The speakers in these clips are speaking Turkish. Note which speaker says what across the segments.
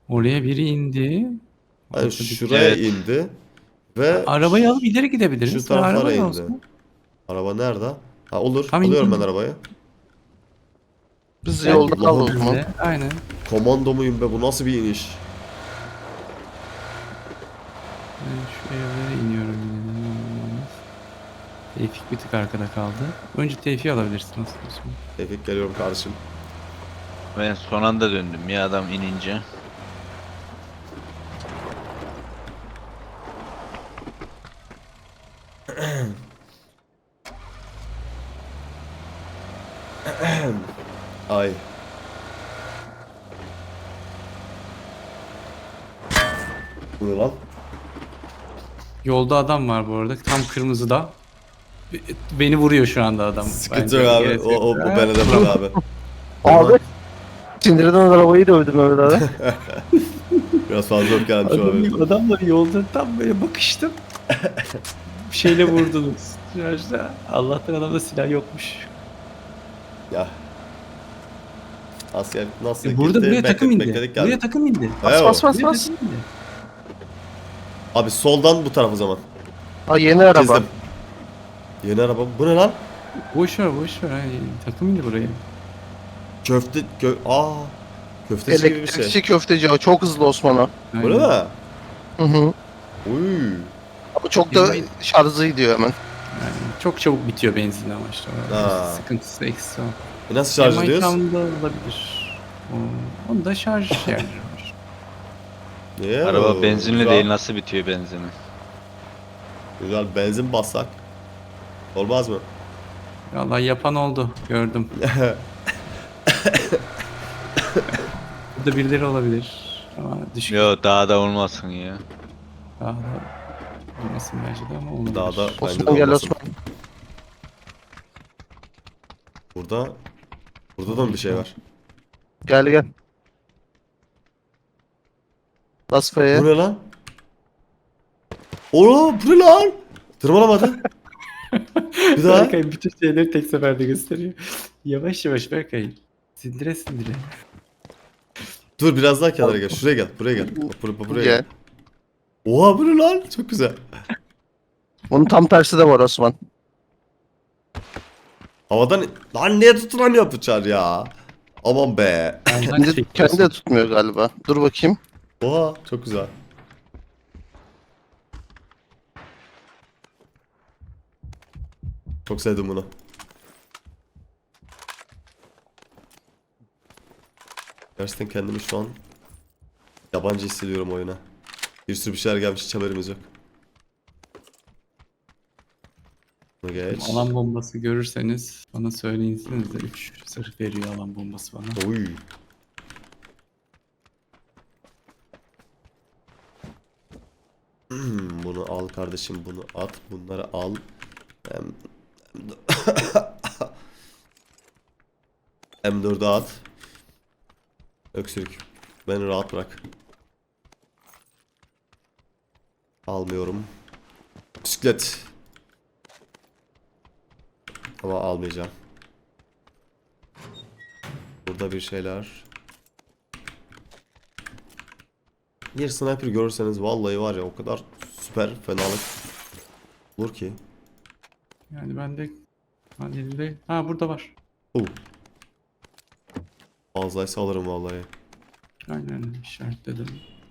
Speaker 1: Oraya biri indi.
Speaker 2: Yani
Speaker 1: Ortadaki.
Speaker 2: şuraya
Speaker 3: Evet.
Speaker 2: indi. Ve
Speaker 1: Arabayı alıp ileri
Speaker 2: şu
Speaker 1: gidebiliriz.
Speaker 2: taraflara
Speaker 1: Araba da
Speaker 2: indi.
Speaker 1: olsun.
Speaker 2: Araba nerede? Ha olur.
Speaker 1: Tam
Speaker 2: Alıyorum ben
Speaker 1: indi.
Speaker 2: arabayı.
Speaker 4: Biz
Speaker 1: Gel
Speaker 4: yolda kal o
Speaker 2: Allah'ım.
Speaker 4: zaman.
Speaker 1: benimle. Aynen.
Speaker 2: Komando muyum be, bu nasıl bir iniş?
Speaker 1: Ben şu evlere iniyorum yine de. Tevfik bir tık arkada kaldı. Önce Tevfik'i alabilirsin aslında.
Speaker 2: Tevfik geliyorum kardeşim.
Speaker 3: Ben son anda döndüm ya adam inince.
Speaker 2: Ay. Bu ne lan?
Speaker 1: Yolda adam var bu arada. Tam kırmızıda. Beni vuruyor şu anda adam.
Speaker 2: Sıkıntı
Speaker 1: Bence
Speaker 2: yok abi.
Speaker 1: gerek
Speaker 2: O,
Speaker 1: yok.
Speaker 2: o bu bana da bak abi.
Speaker 4: Abi. Sindirden arabayı dövdüm öyle abi.
Speaker 2: Biraz fazla öfkelenmiş olabilir.
Speaker 1: Adamla yolda tam böyle bakıştım. Bir şeyle vurdunuz. Şarjda. Allah'tan adamda silah yokmuş.
Speaker 2: Ya. Asker nasıl
Speaker 1: Burada
Speaker 2: gitti?
Speaker 1: buraya takım indi.
Speaker 2: Bekledik geldi.
Speaker 1: Buraya takım indi.
Speaker 2: Evet.
Speaker 4: Bas bas
Speaker 1: Buraya
Speaker 4: bas.
Speaker 1: takım indi.
Speaker 2: Abi soldan bu taraf o zaman.
Speaker 4: Ha yeni araba.
Speaker 2: Çizdim. Yeni araba. Bu ne lan?
Speaker 1: Boş ver boş ver. Ay, takım indi buraya.
Speaker 2: Köfte... Köfteci gibi bir
Speaker 4: Elektrikçi
Speaker 2: şey.
Speaker 4: köfteci o. Çok hızlı Osman'a.
Speaker 2: Öyle mi?
Speaker 4: Hı hı.
Speaker 2: Uy.
Speaker 4: Ama çok da şarjı gidiyor hemen.
Speaker 1: Yani çok çabuk bitiyor benzin ama işte. O
Speaker 2: Ha.
Speaker 1: sıkıntısı eksi o.
Speaker 2: Nasıl şarj ediyoruz?
Speaker 1: Town'da olabilir. Onun da şarj yerleri var.
Speaker 2: Niye?
Speaker 3: Araba benzinli
Speaker 2: Güzel.
Speaker 3: değil, nasıl bitiyor benzini?
Speaker 2: Güzel, benzin bassak. Olmaz mı?
Speaker 1: Vallahi yapan oldu. Gördüm. Burada birileri olabilir. Ama düşük.
Speaker 3: Yo daha da olmasın ya.
Speaker 1: Daha da olmasın bence de ama olabilir.
Speaker 2: Daha da bence de
Speaker 4: Osman gel
Speaker 2: olmasın.
Speaker 4: Osman.
Speaker 2: Burada da mı bir şey var?
Speaker 4: Gel gel. Bas
Speaker 2: Bu
Speaker 4: F'ye.
Speaker 2: ne lan? Oo, bu ne lan? Tırmalamadı. Bir daha.
Speaker 1: Berkay bütün şeyleri tek seferde gösteriyor. Yavaş yavaş Berkay. Sindire sindire.
Speaker 2: Dur biraz daha kenara gel. Şuraya gel. Buraya gel. Buraya gel.
Speaker 4: Gel.
Speaker 2: Oha, bu ne lan? Çok güzel.
Speaker 4: Bunun tam tersi de var Osman.
Speaker 2: Havadan... Lan niye tutulamıyor bıçak ya? Aman be.
Speaker 4: Kendi de tutmuyor galiba. Dur bakayım.
Speaker 2: Oha, çok güzel. Çok sevdim bunu. Gerçekten kendimi şu an yabancı hissediyorum oyuna. Bir sürü bir şeyler gelmiş, hiç haberimiz yok. Bunu geç.
Speaker 1: Alan bombası görürseniz bana söyleyinsiniz de 3 sırf veriyor alan bombası bana.
Speaker 2: Oy. Bunu al kardeşim, bunu at, bunları al. Em- M4'ü at. Öksürük. Beni rahat bırak. Almıyorum. Bisiklet. Ama almayacağım. Burada bir şeyler. Bir sniper görürseniz vallahi var ya, o kadar süper fenalık olur ki.
Speaker 1: Yani ben de elimde... Ha burada var.
Speaker 2: Fazlaysa alırım vallahi.
Speaker 1: Aynen işaretledim.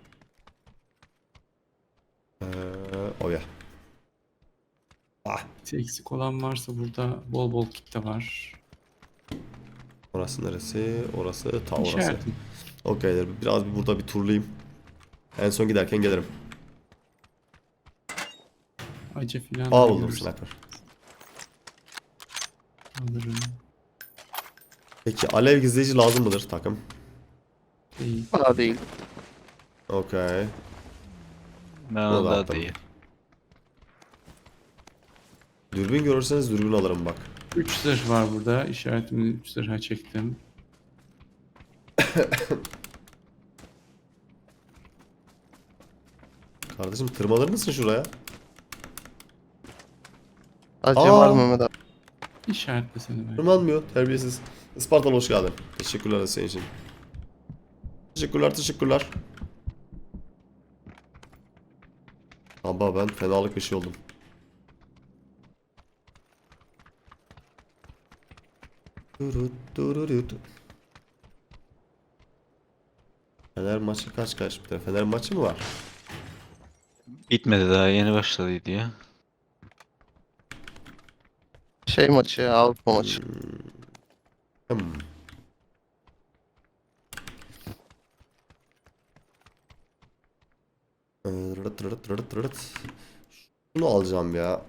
Speaker 2: Oya. Ah,
Speaker 1: Eksik olan varsa burada bol bol kit de var.
Speaker 2: orası neresi? Orası ta orası.
Speaker 1: İşaretim.
Speaker 2: Okeyler. Biraz burada bir turlayayım. En son giderken gelirim.
Speaker 1: Acı filan.
Speaker 2: Aa,
Speaker 1: da
Speaker 2: buldum
Speaker 1: görürsün.
Speaker 2: sniper.
Speaker 1: Alırım.
Speaker 2: Peki alev gizleyici lazım mıdır takım?
Speaker 1: Değil.
Speaker 4: Bana değil.
Speaker 2: Okey.
Speaker 3: Bana
Speaker 2: da
Speaker 3: da
Speaker 2: attım.
Speaker 3: değil.
Speaker 2: Dürbün görürseniz dürbün alırım bak.
Speaker 1: 3 zırh var burada. İşaretimi 3 zırha çektim.
Speaker 2: Kardeşim tırmalır mısın şuraya?
Speaker 4: Acı
Speaker 2: Aa.
Speaker 4: var Mehmet abi.
Speaker 1: İşaretle seni ben.
Speaker 2: Tırmanmıyor. Terbiyesiz. Ispartalı hoş geldin. Teşekkürler senin için. Teşekkürler. Baba ben fenalık bir şey oldum. Durut durut. Fener maçı kaç bir de? Fener maçı mı var?
Speaker 3: Bitmedi daha yeni başladıydı ya.
Speaker 4: Şey maçı ya, Avrupa maçı.
Speaker 2: Hmm. Rırt rırt rırt rırt. Şunu alacağım ya.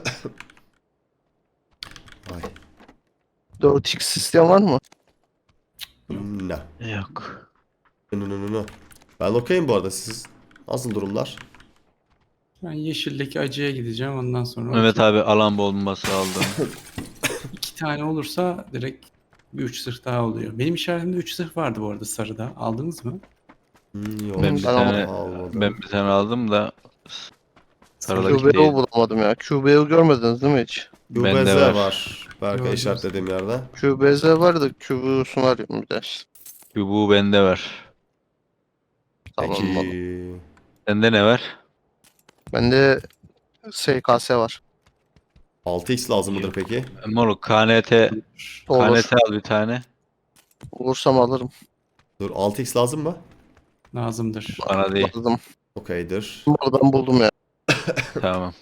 Speaker 2: Ay.
Speaker 4: 4x sistem var mı?
Speaker 2: Ne?
Speaker 3: Yok.
Speaker 2: No. Ben okeyim bu arada. Siz nasıl durumlar?
Speaker 1: Ben yeşildeki acıya gideceğim ondan sonra.
Speaker 3: Mehmet abi alan bombası aldım.
Speaker 1: 2 tane olursa direkt bir 3 zırh daha oluyor. Benim işaretimde 3 zırh vardı bu arada sarıda. Aldınız mı?
Speaker 2: Yok.
Speaker 3: Ben bir
Speaker 4: Ben
Speaker 3: tane
Speaker 2: almadım.
Speaker 3: ben bir tane aldım da Sarıdaki
Speaker 4: QBO
Speaker 3: değil.
Speaker 4: bulamadım ya. QBO görmediniz değil mi hiç?
Speaker 3: Bende
Speaker 2: QBZ
Speaker 3: var.
Speaker 2: var. Berkay
Speaker 1: Gördüm.
Speaker 2: işaretlediğim yerde.
Speaker 4: QBZ var da QBO'sunu arıyorum bir de.
Speaker 3: Bu bende var.
Speaker 4: Tamam
Speaker 2: Peki.
Speaker 4: oğlum.
Speaker 3: Sende ne var?
Speaker 4: Bende SKS var.
Speaker 2: 6x lazım mıdır peki?
Speaker 3: Moruk KNT
Speaker 4: Olur.
Speaker 3: KNT al bir tane.
Speaker 4: Olursam alırım.
Speaker 2: Dur 6x lazım mı?
Speaker 1: Lazımdır.
Speaker 3: Bana değil.
Speaker 4: Aldım.
Speaker 2: Okeydir.
Speaker 4: Oradan buldum ya.
Speaker 3: Tamam.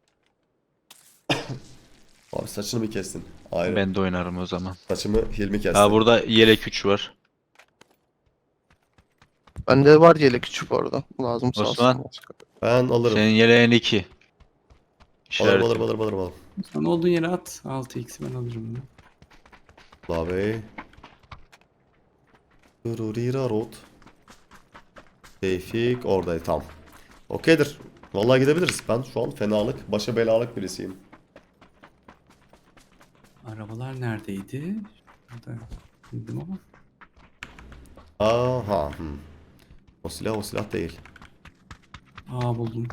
Speaker 2: Abi saçını mı kestin? Ayrı.
Speaker 3: Ben de oynarım o zaman.
Speaker 2: Saçımı Hilmi kesti.
Speaker 3: Ha burada yelek 3 var.
Speaker 4: Bende var yelek küçük orada. Lazım sağ
Speaker 3: Osman.
Speaker 4: olsun.
Speaker 2: Ben alırım.
Speaker 3: Senin yeleğin 2.
Speaker 2: Alırım.
Speaker 1: Sen olduğun yere at. 6x'i ben alırım. Bunu.
Speaker 2: Abi. Dururira rot. Tevfik oradaydı tam. Okeydir. Vallahi gidebiliriz. Ben şu an fenalık, başa belalık birisiyim.
Speaker 1: Arabalar neredeydi? Şurada bildim ama.
Speaker 2: Aha. O silah değil.
Speaker 1: Aa buldum.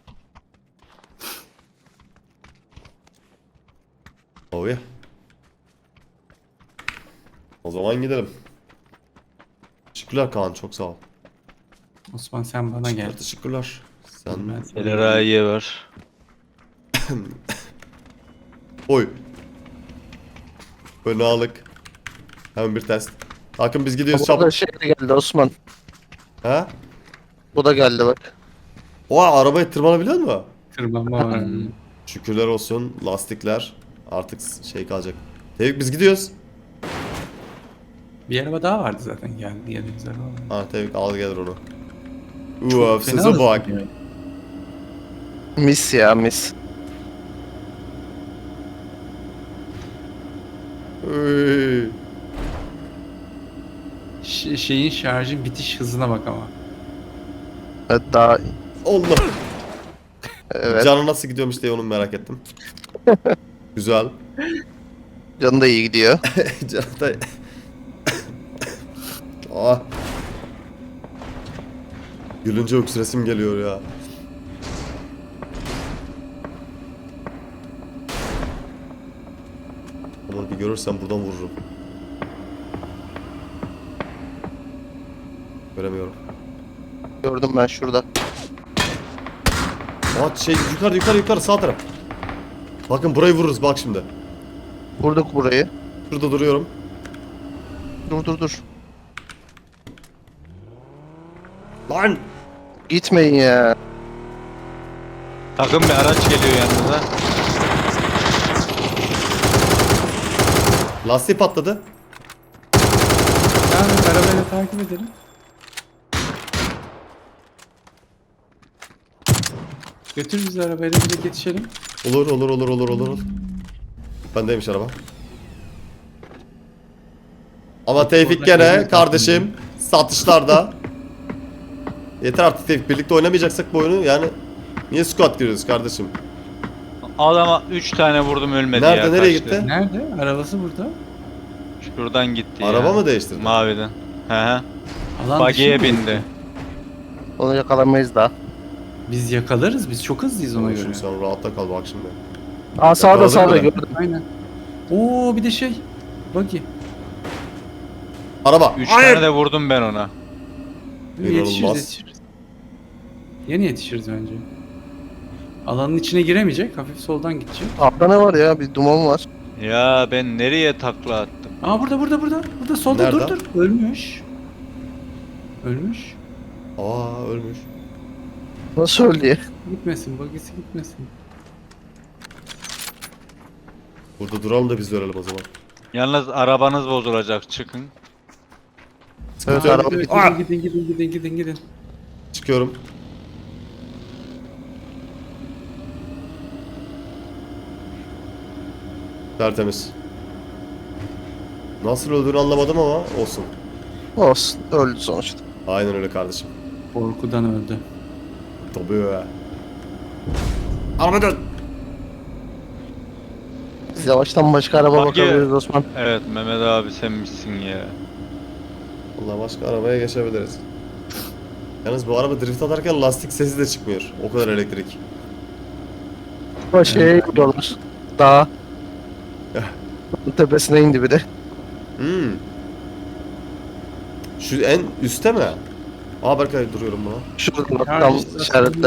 Speaker 2: Oh yeah. O zaman gidelim. Teşekkürler Kaan, çok sağ ol.
Speaker 1: Osman sen bana gel.
Speaker 2: Teşekkürler. Sen...
Speaker 1: Ben sana
Speaker 3: Eleraye var.
Speaker 2: Oy. Fenalık. Hemen bir test. Hakan biz gidiyoruz
Speaker 4: Bu da
Speaker 2: çabuk.
Speaker 4: şey de geldi Osman.
Speaker 2: Ha?
Speaker 4: Bu da geldi bak.
Speaker 2: Oha, arabaya tırmanabiliyor mu?
Speaker 1: tırmanma var.
Speaker 2: Şükürler olsun, lastikler artık şey kalacak. Tevfik biz gidiyoruz.
Speaker 1: Bir araba daha vardı zaten geldiğimiz araba. Vardı.
Speaker 2: Ha Tevfik al gelir onu.
Speaker 1: Çok
Speaker 2: Size
Speaker 1: fena
Speaker 2: bak.
Speaker 1: hızlı.
Speaker 4: Mis ya mis.
Speaker 2: Üy.
Speaker 1: Şeyin şarjın bitiş hızına bak ama.
Speaker 4: Evet daha
Speaker 2: Allah.
Speaker 4: evet.
Speaker 2: Canı nasıl gidiyormuş diye onu merak ettim. Güzel.
Speaker 4: Canı da iyi gidiyor.
Speaker 2: Canı da... Ah. Gülünce öksüresim geliyor ya. Ama bir görürsem buradan vururum. Göremiyorum.
Speaker 4: Gördüm ben şurada.
Speaker 2: Şey yukarı sağ taraf. Bakın burayı vururuz bak şimdi.
Speaker 4: Vurduk burayı.
Speaker 2: Şurada duruyorum.
Speaker 4: Dur.
Speaker 2: Lan!
Speaker 4: Gitmeyin ya.
Speaker 3: Takım bir araç geliyor yanınıza.
Speaker 2: Lastiği patladı.
Speaker 1: Yani arabayla takip edelim. Götür bizi arabayla direkt yetişelim.
Speaker 2: Olur. Bendeymiş araba. Ama Tevfik
Speaker 1: orada
Speaker 2: gene
Speaker 1: elini
Speaker 2: kardeşim satışlarda. Yeter artık Tevfik, birlikte oynamayacaksak bu oyunu yani niye squad giriyoruz kardeşim?
Speaker 3: Adama 3 tane vurdum ölmedi
Speaker 2: Nerede,
Speaker 3: ya.
Speaker 2: nereye
Speaker 3: kaçtı.
Speaker 2: gitti?
Speaker 1: Nerede? Arabası burada.
Speaker 3: Şuradan gitti ya.
Speaker 2: Araba mı değiştirdi?
Speaker 3: Maviden. He.
Speaker 1: Alan
Speaker 3: Buggy'ye
Speaker 1: dışı mı?
Speaker 3: bindi.
Speaker 4: Onu yakalamayız daha.
Speaker 1: Biz yakalarız. Biz çok hızlıyız ona göre.
Speaker 2: Şimdi sen rahatta kal bak şimdi.
Speaker 4: Aa sağda
Speaker 2: Yakaladık mı?
Speaker 4: gördüm.
Speaker 1: Aynen. Oo bir de şey. Buggy.
Speaker 2: Araba.
Speaker 3: 3
Speaker 2: Hayır!
Speaker 3: tane de vurdum ben ona.
Speaker 2: İnanılmaz.
Speaker 1: Yetişiriz. Yeni yetişiriz bence. Alanın içine giremeyecek. Hafif soldan gidecek.
Speaker 4: Altta ne var ya? Bir duman var.
Speaker 3: Ya ben nereye takla attım?
Speaker 1: Aa burada. Burada solda
Speaker 2: Nerede?
Speaker 1: dur. Ölmüş. Ölmüş.
Speaker 2: Aa ölmüş.
Speaker 4: Nasıl öldü ya?
Speaker 1: Gitmesin. Bagisi gitmesin.
Speaker 2: Burada duralım da biz de ölelim o zaman.
Speaker 3: Yalnız arabanız bozulacak, çıkın.
Speaker 4: Evet,
Speaker 1: Aa,
Speaker 4: araba
Speaker 1: evet,
Speaker 2: Aa!
Speaker 1: gidin.
Speaker 2: Çıkıyorum. Tertemiz. Nasıl öldüğünü anlamadım ama olsun.
Speaker 4: olsun. Öldü sonuçta.
Speaker 2: Aynen öyle kardeşim.
Speaker 1: Korkudan öldü.
Speaker 2: Tabii. Araba dön.
Speaker 4: Biz yavaştan başka araba
Speaker 3: Bak ya.
Speaker 4: bakabiliriz Osman.
Speaker 3: Evet Mehmet abi sen misin ya?
Speaker 2: Vallahi başka arabaya geçebiliriz. Yalnız bu araba drift atarken lastik sesi de çıkmıyor. O kadar elektrik.
Speaker 4: Ama şeye gidiyorlar. Dağa. Tepesine indi bir de.
Speaker 2: Hmm. Şu en üstte mi? Aa Berkay duruyorum buna.
Speaker 4: Şurada tam işaretle.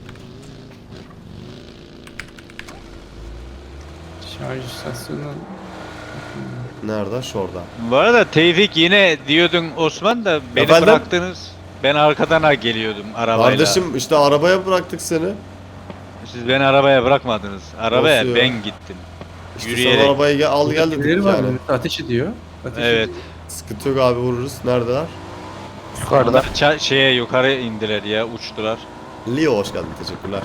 Speaker 1: Şarj istasyonu.
Speaker 2: Nerede? Şurada.
Speaker 3: Bu arada Tevfik yine diyordun Osman da beni
Speaker 2: Efendim?
Speaker 3: bıraktınız. Ben arkadan geliyordum arabayla.
Speaker 2: Kardeşim işte arabaya bıraktık seni.
Speaker 3: Siz beni arabaya bırakmadınız. Arabaya
Speaker 2: Nasıl ya?
Speaker 3: ben gittim.
Speaker 2: İşte
Speaker 3: Yürüyerek.
Speaker 2: sen arabayı al gel dedik
Speaker 1: Birileri var.
Speaker 2: yani.
Speaker 1: Ateş ediyor. Ateş
Speaker 3: Evet.
Speaker 1: ediyor.
Speaker 2: Sıkıntı yok abi vururuz. Neredeler?
Speaker 4: Yukarıda.
Speaker 3: Onlar şeye yukarı indiler ya, uçtular.
Speaker 2: Leo hoş geldin. Teşekkürler.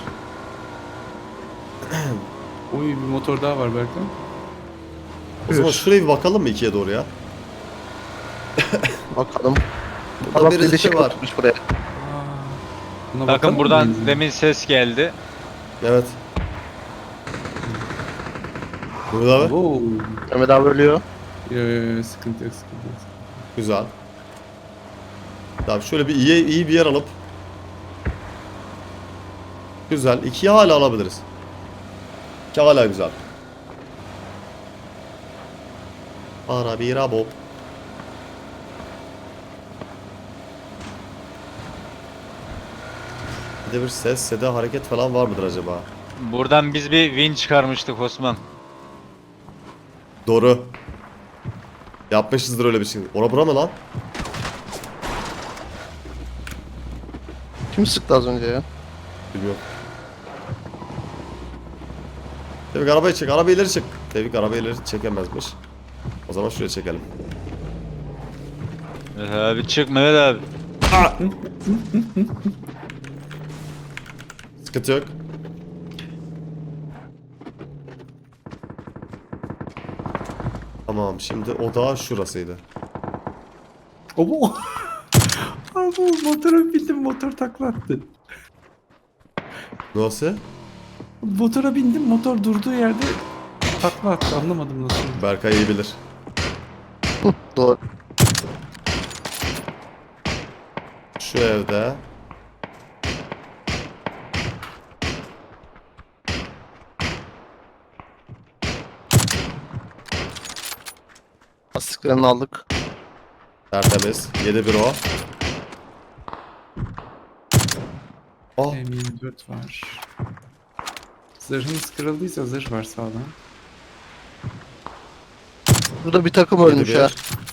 Speaker 1: Oy bir motor daha var Berkan.
Speaker 2: O zaman şuraya bir bakalım mı ikiye doğru ya?
Speaker 4: Bakalım.
Speaker 2: Burada
Speaker 4: Adam
Speaker 2: birisi
Speaker 4: bir şey
Speaker 2: var.
Speaker 4: atmış buraya.
Speaker 1: Aa, buna
Speaker 3: Bakın
Speaker 1: bakalım
Speaker 3: buradan
Speaker 1: mı?
Speaker 3: demin ses geldi.
Speaker 2: Evet. Burada abi.
Speaker 1: Oo.
Speaker 4: Mehmet abi ölüyor.
Speaker 1: Sıkıntı yok.
Speaker 2: Güzel. Tamam şöyle bir iyi bir yer alıp. Güzel. İkiye hala alabiliriz. İki hala güzel. Para bir bob. Bir de bir ses, seda, hareket falan var mıdır acaba?
Speaker 3: Buradan biz bir win çıkarmıştık Osman.
Speaker 2: Doğru. Yapmışızdır öyle bir şey. Ora bura mı lan?
Speaker 4: Kim sıktı az önce ya?
Speaker 2: Bilmiyorum. Tevfik arabayı çek. Arabayı ileri çek. Tevfik arabayı ileri çekemezmiş. O zaman şuraya çekelim.
Speaker 3: Evet abi çık Mehmet abi.
Speaker 2: Sıkıntı yok. Tamam şimdi o da şurasıydı.
Speaker 1: Obo. Abi motora bindim motor taklattı.
Speaker 2: Nasıl?
Speaker 1: Motora bindim motor durduğu yerde takla attı anlamadım nasıl.
Speaker 2: Berkay iyi bilir.
Speaker 4: Doğru.
Speaker 2: Şu evde.
Speaker 4: Lastiklerini aldık.
Speaker 2: Tertemiz. 7-1 o. Oh.
Speaker 1: M24 var. Zırhınız kırıldıysa zırh var sağdan.
Speaker 4: Burada bir takım ölmüş
Speaker 2: 7-1.
Speaker 4: ha.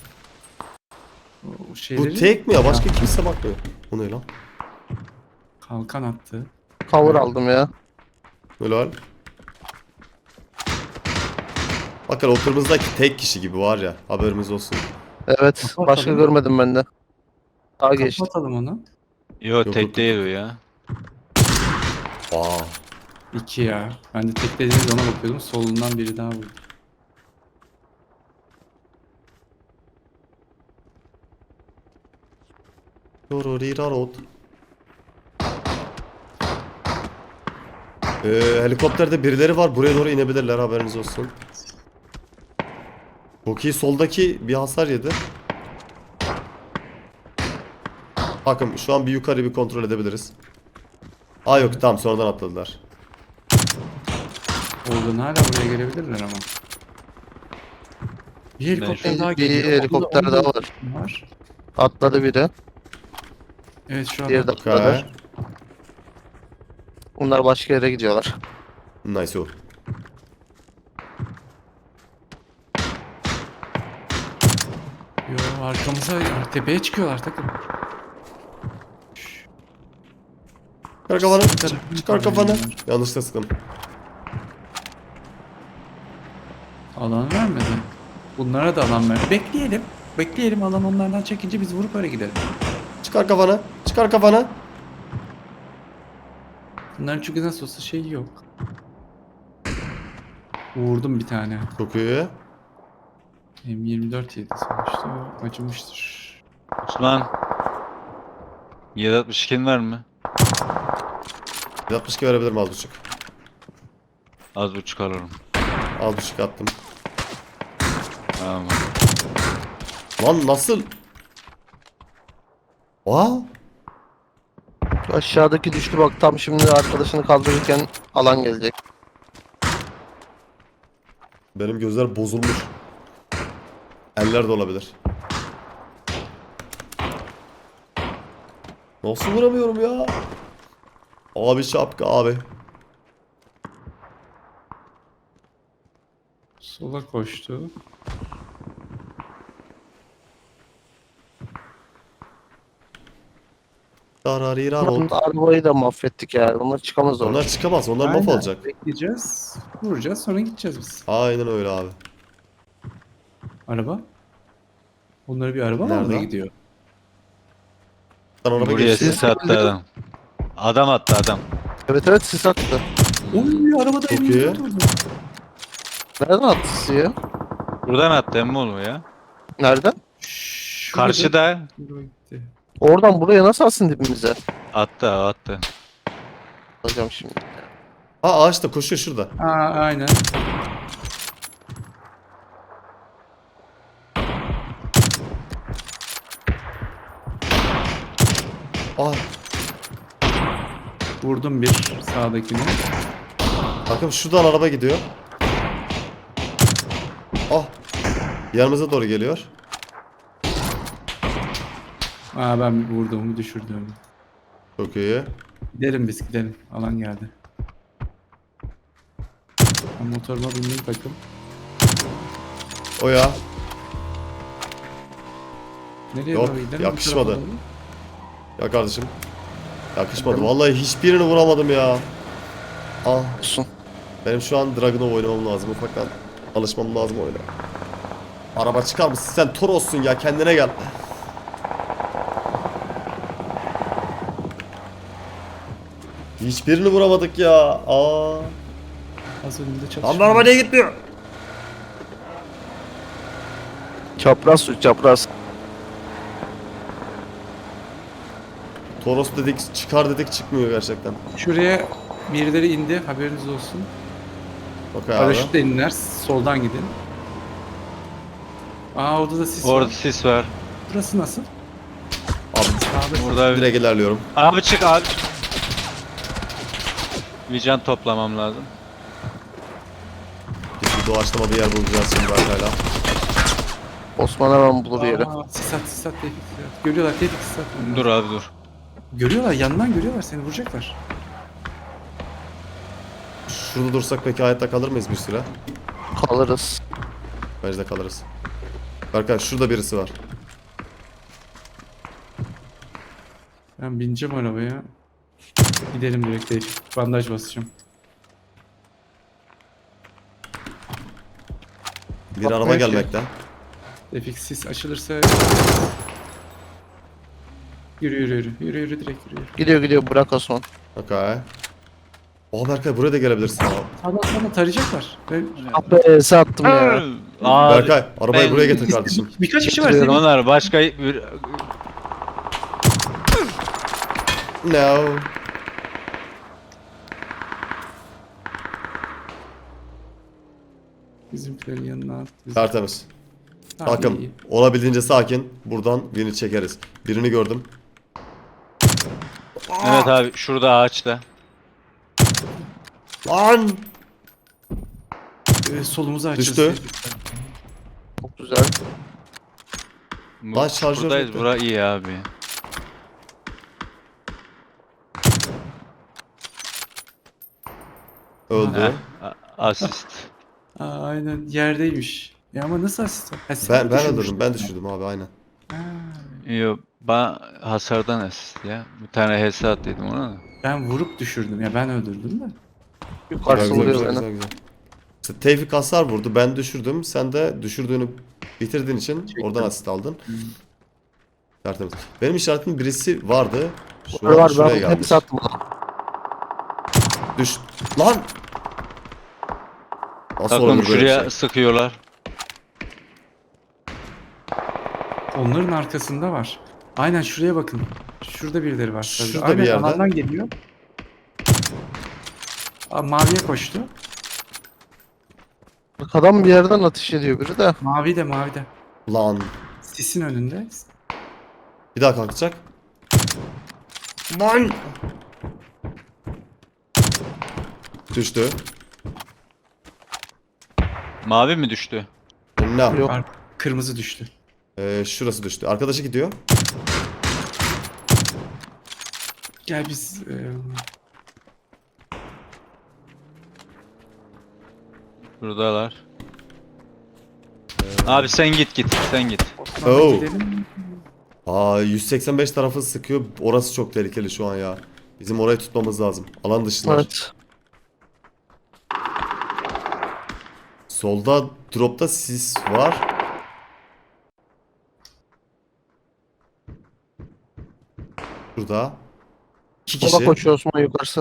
Speaker 1: O şeyleri
Speaker 2: Bu tek mi ya? Başka kimse bakmıyor. Bu ne lan?
Speaker 1: kalkan attı.
Speaker 4: Cover aldım ya.
Speaker 2: Helal. Bakın o kırmızıdaki tek kişi gibi var ya. Haberimiz olsun.
Speaker 4: Evet.
Speaker 1: Kapatalım.
Speaker 4: Başka görmedim ben de. Daha geçti.
Speaker 1: Kapatalım onu.
Speaker 3: Yo
Speaker 2: Yok,
Speaker 3: tek
Speaker 2: yok.
Speaker 3: değil o ya.
Speaker 2: Aa.
Speaker 1: 2 ya. Ben de tek dediğiniz ona bakıyordum. Solundan biri daha vurdu.
Speaker 2: Rorororot. Helikopterde birileri var. Buraya doğru inebilirler. Haberiniz olsun. Çok iyi. Soldaki bir hasar yedi. Bakın şu an bir yukarı bir kontrol edebiliriz. Aa yok tamam sonradan atladılar.
Speaker 1: Oradan hala buraya gelebilirler ama. Bir helikopter daha
Speaker 4: Bir
Speaker 1: geliyor.
Speaker 4: helikopter
Speaker 1: Onda
Speaker 4: daha var.
Speaker 1: var.
Speaker 4: Atladı biri.
Speaker 1: Evet şu an
Speaker 4: Diğeri de
Speaker 2: Okay.
Speaker 4: atladı. Bunlar başka yere gidiyorlar.
Speaker 2: Nice o.
Speaker 1: Yo, arkamıza tepeye çıkıyorlar takım.
Speaker 2: Çıkar kafanı.
Speaker 1: Bir tarafını
Speaker 2: Çıkar kafanı.
Speaker 1: koruyorlar.
Speaker 2: Yanlışlıkla sıktım.
Speaker 1: Alan vermedi. Bunlara da alan ver. Bekleyelim. Bekleyelim, alan onlardan çekince biz vurup öyle gidelim.
Speaker 2: Çıkar kafanı. Çıkar kafanı.
Speaker 1: Bunların çünkü nasıl olsa şey yok. Vurdum bir tane.
Speaker 2: Çok iyi.
Speaker 1: M24 yedi sonuçta. O acımıştır.
Speaker 3: Osman. 762'in var mı?
Speaker 2: 162 verebilirim az buçuk.
Speaker 3: Az buçuk alırım.
Speaker 2: Az buçuk attım.
Speaker 3: Tamam.
Speaker 2: Lan nasıl? Aa,
Speaker 4: Aşağıdaki düştü bak, tam şimdi arkadaşını kaldırırken alan gelecek.
Speaker 2: benim gözler bozulmuş. Eller de olabilir. Nasıl vuramıyorum ya? Abi şapka abi.
Speaker 1: Sola koştu.
Speaker 2: Dararirar.
Speaker 4: Arabayı da mahvettik yani. Bunlar çıkamaz oradan.
Speaker 2: Onlar çıkamaz. Onlar
Speaker 1: Aynen.
Speaker 2: mahvolacak.
Speaker 1: Bekleyeceğiz. Vuracağız, sonra gideceğiz biz.
Speaker 2: Aynen öyle abi.
Speaker 1: Araba? Onlara bir araba mı
Speaker 2: Nerede?
Speaker 1: almaya gidiyor?
Speaker 2: Sen araba
Speaker 3: Buraya
Speaker 2: geçti.
Speaker 3: sis attı adam. Adam attı adam.
Speaker 4: Evet evet, sis attı.
Speaker 1: Oy, arabada
Speaker 2: Çok
Speaker 1: M24
Speaker 2: iyi.
Speaker 1: oldu.
Speaker 4: Nereden attı sisi ya?
Speaker 3: Buradan attı emmi oğlum ya.
Speaker 4: Nereden?
Speaker 1: Şurada-
Speaker 3: Karşıda
Speaker 1: Şurada gitti.
Speaker 4: Oradan buraya nasıl alsın dibimize?
Speaker 3: attı.
Speaker 4: Alacağım şimdi.
Speaker 2: Ha ağaçta koşuyor şurada.
Speaker 1: Aa, aynen.
Speaker 2: Aa,
Speaker 1: Vurdum bir sağdakini.
Speaker 2: bakın şuradan araba gidiyor. Ah. Yanımıza doğru geliyor.
Speaker 1: Aa, ben vurduğumu düşürdüm.
Speaker 2: Çok iyi.
Speaker 1: Gidelim biz, gidelim. Alan geldi. Ben motoruma bindim takım.
Speaker 2: O ya.
Speaker 1: Nereye
Speaker 2: Yok,
Speaker 1: doğru gidelim?
Speaker 2: yakışmadı.
Speaker 1: Bu tarafa doğru.
Speaker 2: Ya kardeşim. Yakışmadı. Vallahi hiçbirini vuramadım ya. Ah.
Speaker 4: Olsun.
Speaker 2: Benim şu an Dragunov oynamam lazım. Ufaktan alışmam lazım oyuna. Araba çıkar mısın? Sen Toros'sun ya. Kendine gel. Hiçbirini vuramadık ya. Aa.
Speaker 1: Az önünde
Speaker 2: Lan
Speaker 1: çalışıyor.
Speaker 2: bu araba niye gitmiyor?
Speaker 4: Çapraz su, çapraz.
Speaker 2: Toros dedik, çıkar dedik, çıkmıyor gerçekten.
Speaker 1: Şuraya birileri indi, haberiniz olsun.
Speaker 2: Bak abi.
Speaker 1: Paraşütle inler, soldan gidin. Aa, orada da sis
Speaker 3: Orada
Speaker 1: var.
Speaker 3: sis var.
Speaker 1: Burası nasıl?
Speaker 2: Abi
Speaker 1: Sağda.
Speaker 3: Burada
Speaker 2: direkt ilerliyorum.
Speaker 3: abi çık abi. Vican toplamam lazım.
Speaker 2: Bir doğaçlama bir yer bulacağız şimdi arkayla.
Speaker 4: Osman hemen bulur yeri.
Speaker 1: Aa, sis at, sis at, Tevfik, sis at. Görüyorlar, Tevfik, sis at.
Speaker 3: Dur abi dur.
Speaker 1: Görüyorlar, yandan görüyorlar seni, vuracaklar.
Speaker 2: Şurada dursak peki hayatta kalır mıyız bir süre?
Speaker 4: Kalırız.
Speaker 2: Bence de kalırız. Berkay şurada birisi var.
Speaker 1: Ben bineceğim arabaya. Gidelim direkt Tevfik. Bandaj basacağım.
Speaker 2: Bir
Speaker 1: Bak,
Speaker 2: araba
Speaker 1: belki.
Speaker 2: gelmekte.
Speaker 1: Tevfik, sis açılırsa... Yürü yürü yürü. Yürü yürü, direkt yürü.
Speaker 4: Gidiyor gidiyor, bırak Osman.
Speaker 2: Okay. Aa Berkay buraya da gelebilirsin abi.
Speaker 1: Sağdan tarayacaklar.
Speaker 4: Ah be, ese attım ya.
Speaker 3: Abi.
Speaker 2: Berkay arabayı
Speaker 3: ben-
Speaker 2: buraya getir kardeşim.
Speaker 1: Birkaç kişi var
Speaker 4: Getiriyorum.
Speaker 1: senin.
Speaker 3: Onlar başka bir...
Speaker 2: No.
Speaker 1: Bizimkilerin yanına at.
Speaker 2: Tertemiz.
Speaker 1: Tamam,
Speaker 2: Takım
Speaker 1: iyi.
Speaker 2: olabildiğince sakin. Buradan birini çekeriz. Birini gördüm.
Speaker 3: Evet abi şurada ağaçta.
Speaker 2: Lan!
Speaker 1: Solumuzu açacağız.
Speaker 2: Düştü.
Speaker 4: Çok güzel.
Speaker 2: Lan şarjör
Speaker 3: Buradayız.
Speaker 2: bitti.
Speaker 3: Bura iyi abi.
Speaker 2: Öldü.
Speaker 3: Asist.
Speaker 1: Aynen yerdeymiş. Ya ama nasıl asist var? Ha, sen
Speaker 2: Ben
Speaker 1: düşürmüştün.
Speaker 2: öldürdüm. Ben düşürdüm abi aynen.
Speaker 1: Ha,
Speaker 3: Yok, ben hasardan asist ya. Bir tane HS attıydım ona da.
Speaker 1: ben vurup düşürdüm. Ya ben öldürdüm de.
Speaker 4: Yukarısı
Speaker 2: Güzel,
Speaker 4: vuruyor
Speaker 2: güzel,
Speaker 4: beni.
Speaker 2: güzel, güzel. İşte Tevfik hasar vurdu. Ben düşürdüm. Sen de düşürdüğünü bitirdiğin için
Speaker 1: Çektim.
Speaker 2: oradan asist aldın.
Speaker 1: Hmm.
Speaker 2: Tertemiz. Benim işaretimin birisi vardı. Şu
Speaker 4: Var
Speaker 2: an
Speaker 4: var
Speaker 2: şuraya
Speaker 4: ben
Speaker 2: gelmiş.
Speaker 4: hepsi attım ona.
Speaker 2: Düş. Lan! Nasıl
Speaker 3: Takım
Speaker 2: olur böyle bir
Speaker 3: şuraya
Speaker 2: şey?
Speaker 3: sıkıyorlar.
Speaker 1: Onların arkasında var. Aynen şuraya bakın. Şurada birileri var.
Speaker 2: Şurada
Speaker 1: Aynen
Speaker 2: bir yerde.
Speaker 1: alandan geliyor. Maviye koştu.
Speaker 4: Adam bir yerden ateş ediyor biri de.
Speaker 1: Mavi de mavi de.
Speaker 2: Lan.
Speaker 1: Sisin önünde.
Speaker 2: Bir daha kalkacak. Lan! Düştü.
Speaker 3: Mavi mi düştü?
Speaker 2: Ne?
Speaker 4: Yok.
Speaker 1: Kırmızı düştü.
Speaker 2: Şurası düştü. Arkadaşı gidiyor.
Speaker 1: Gel biz
Speaker 3: Buradalar. Abi sen git sen git.
Speaker 1: Osman'a
Speaker 2: Oh.
Speaker 1: gidelim.
Speaker 2: 185 tarafı sıkıyor. Orası çok tehlikeli şu an ya. Bizim orayı tutmamız lazım. Alan dışılar.
Speaker 4: Evet.
Speaker 2: Solda dropta sis var. Şurada. 2
Speaker 4: Sola
Speaker 2: kişi.
Speaker 4: koşuyor Osman yukarısı.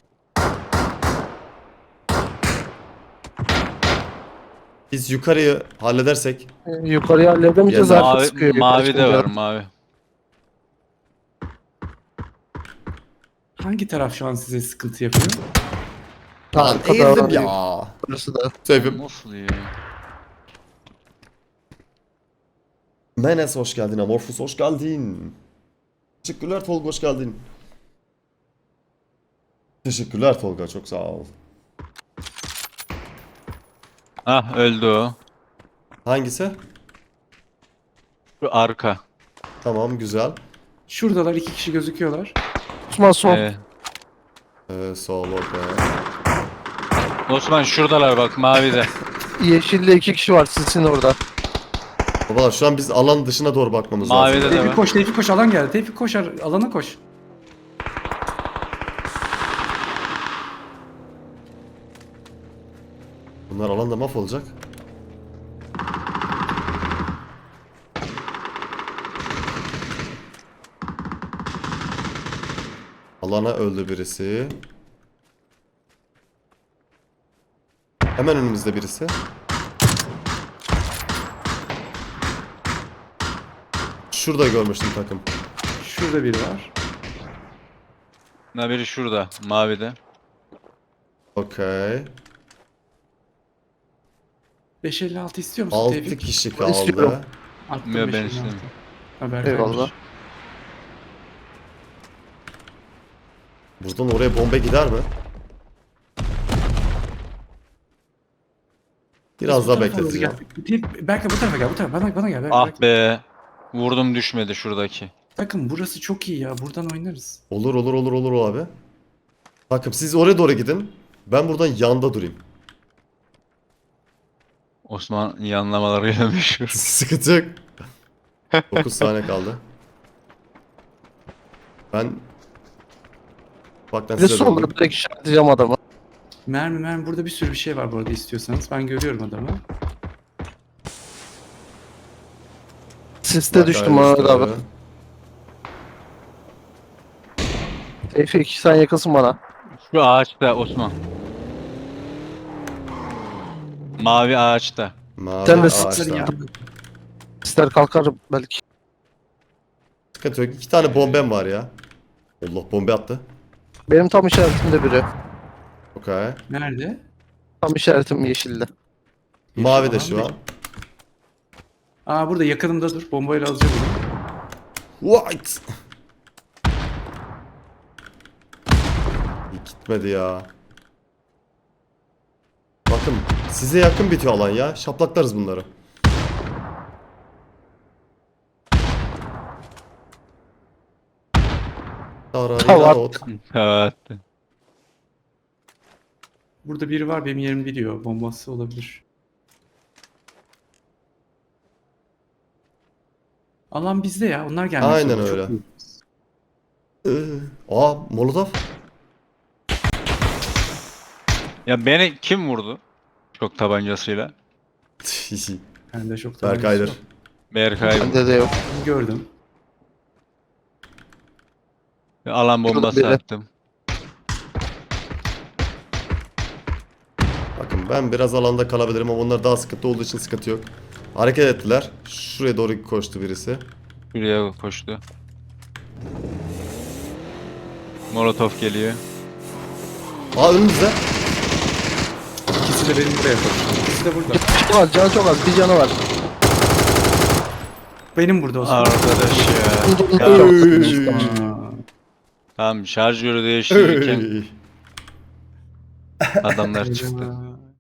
Speaker 2: Biz yukarıyı halledersek.
Speaker 4: Yukarıya halledemeyeceğiz
Speaker 2: Ya,
Speaker 4: artık sıkıyor.
Speaker 3: Mavi,
Speaker 4: yukarı
Speaker 3: mavi de
Speaker 4: çıkınca.
Speaker 3: var mavi.
Speaker 1: Hangi taraf şu an size sıkıntı yapıyor?
Speaker 2: Lan
Speaker 4: Arkada
Speaker 2: eğildim
Speaker 4: var.
Speaker 2: ya.
Speaker 4: Burası da.
Speaker 2: Sevim.
Speaker 3: Nasıl ya?
Speaker 2: Menes hoş geldin. Amorphous hoş geldin. Teşekkürler Tolga hoş geldin. Teşekkürler Tolga çok sağ ol.
Speaker 3: Ah öldü o.
Speaker 2: Hangisi?
Speaker 3: Şu arka.
Speaker 2: Tamam güzel.
Speaker 1: Şuradalar 2 kişi gözüküyorlar.
Speaker 4: Osman son.
Speaker 2: Sol okey.
Speaker 3: Osman şuradalar bak mavide.
Speaker 4: Yeşilde 2 kişi var sizin orada.
Speaker 2: Babalar şu an biz alan dışına doğru bakmamız
Speaker 3: Mavide
Speaker 2: lazım.
Speaker 3: de
Speaker 1: Tevfik
Speaker 3: var.
Speaker 1: koş, Tevfik koş, alan geldi. Tevfik koş, alana koş.
Speaker 2: Bunlar alanda mahvolacak. Alana öldü birisi. Hemen önümüzde birisi. Şurada görmüştüm takım.
Speaker 1: Şurada biri var.
Speaker 3: Ne biri şurada mavide.
Speaker 2: Okey.
Speaker 1: 556 istiyor musun
Speaker 2: 6
Speaker 1: Tevfik?
Speaker 2: kişi
Speaker 4: İstiyorum.
Speaker 2: kaldı.
Speaker 1: Attım
Speaker 3: Yok, ben
Speaker 1: 556.
Speaker 3: istemiyorum.
Speaker 1: Haber
Speaker 4: Eyvallah.
Speaker 1: vermiş.
Speaker 2: Buradan oraya bomba gider mi? Biraz
Speaker 1: Biz bu
Speaker 2: daha
Speaker 1: tarafa doğru
Speaker 2: bekleteceğim.
Speaker 1: gel. Berkay bu tarafa gel, bu tarafa. Bana gel. Berkay.
Speaker 3: Ah be. Vurdum düşmedi şuradaki.
Speaker 1: Bakın burası çok iyi ya. Buradan oynarız.
Speaker 2: Olur abi. Bakın siz oraya doğru gidin. Ben buradan yanda durayım.
Speaker 3: Osman yanlamalarıyla meşhur.
Speaker 2: Sıkıntı yok. 9 saniye kaldı. Ben baktan
Speaker 4: Bir de
Speaker 2: size
Speaker 4: solda
Speaker 2: döndüm.
Speaker 4: direkt işaretleyeceğim adamı.
Speaker 1: Mermi burada bir sürü bir şey var bu arada istiyorsanız. Ben görüyorum adamı.
Speaker 4: Siste düştüm Mehmet abi. Tevfik sen yakınsın bana.
Speaker 3: Şu ağaçta Osman. Mavi ağaçta.
Speaker 2: Mavi
Speaker 4: Sen de
Speaker 2: ağaçta.
Speaker 4: sislerin yanında. Sisler kalkar belki.
Speaker 2: Sıkıntı yok. 2 tane bombem var ya. Allah bombe attı.
Speaker 4: Benim tam işaretimde biri.
Speaker 2: Okey.
Speaker 1: Nerede?
Speaker 4: Tam işaretim yeşilde.
Speaker 2: Mavi de şu an.
Speaker 1: Burada yakınımda dur. Bombayla alacağım onu.
Speaker 2: White. Gitmedi ya. Bakın size yakın bitiyor alan ya. Şaplaklarız bunları.
Speaker 4: Tamam.
Speaker 2: Tararot.
Speaker 3: Evet.
Speaker 1: Burada biri var benim yerimi biliyor. Bombası olabilir. Alan bizde ya. Onlar gelmiş.
Speaker 2: Aynen
Speaker 1: oldu. Çok
Speaker 2: öyle.
Speaker 1: iyi.
Speaker 2: Molotov.
Speaker 3: Ya beni kim vurdu? Çok tabancasıyla.
Speaker 1: Bende çok
Speaker 2: Berkay'dır.
Speaker 1: yok.
Speaker 3: Berkay
Speaker 4: Bende de yok.
Speaker 1: Gördüm.
Speaker 3: alan bombası
Speaker 4: Biri.
Speaker 3: attım.
Speaker 2: Bakın ben biraz alanda kalabilirim ama onlar daha sıkıntı olduğu için sıkıntı yok. Hareket ettiler. Şuraya doğru koştu birisi.
Speaker 3: Şuraya koştu. Molotov geliyor.
Speaker 2: Önümüzde.
Speaker 1: İkisi de benim buraya koştu. İkisi de burada.
Speaker 4: Çok az, canı çok az. Bir canı var.
Speaker 1: Benim burada Osman.
Speaker 3: Arkadaş ya.
Speaker 4: Ya, çok
Speaker 2: Oy.
Speaker 4: az.
Speaker 1: Aa,
Speaker 3: Tamam şarjörü değiştirirken
Speaker 2: Ey.
Speaker 3: adamlar çıktı.
Speaker 1: Eyvah.